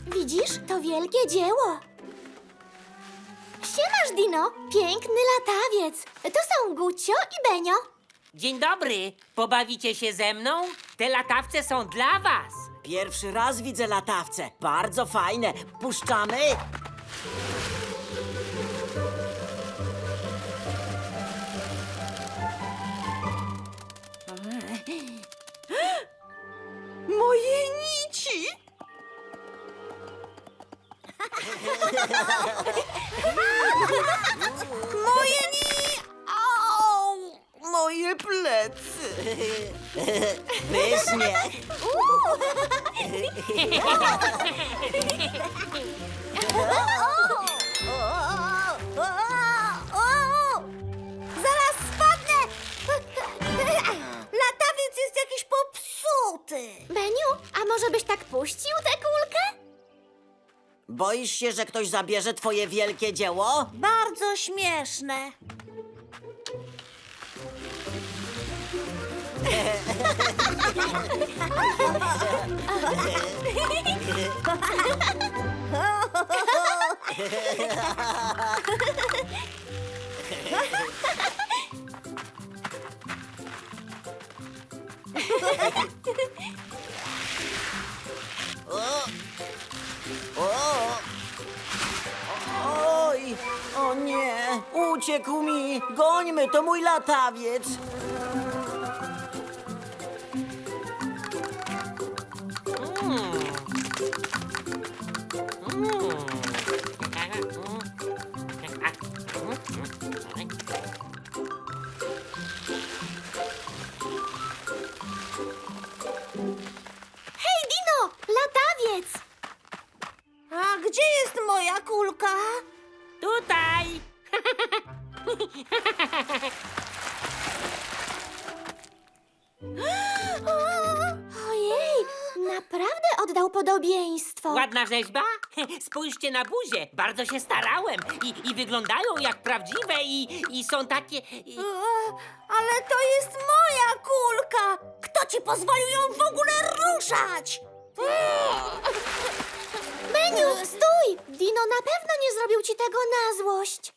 Widzisz? To wielkie dzieło. Siemasz, Dino. Piękny latawiec. To są Gucio i Benio. Dzień dobry. Pobawicie się ze mną? Te latawce są dla was. Pierwszy raz widzę latawce. Bardzo fajne. Puszczamy? Moje nici! Moje Au! Moje plecy! Pysznie. Zaraz spadnę! Latawiec jest jakiś popsuty! Beniu, a może byś tak puścił tę kulkę? Boisz się, że ktoś zabierze twoje wielkie dzieło? Bardzo śmieszne. Oj, o nie, uciekł mi. Gońmy, to mój latawiec. Hej, Dino! Latawiec! A gdzie jest moja kulka? Tutaj. Ojej, naprawdę oddał podobieństwo. Ładna rzeźba? Spójrzcie na buzię. Bardzo się starałem. I wyglądają jak prawdziwe i są takie... Ale to jest moja kulka! Kto ci pozwolił ją w ogóle ruszać? Beniu, stój! Dino na pewno nie zrobił ci tego na złość.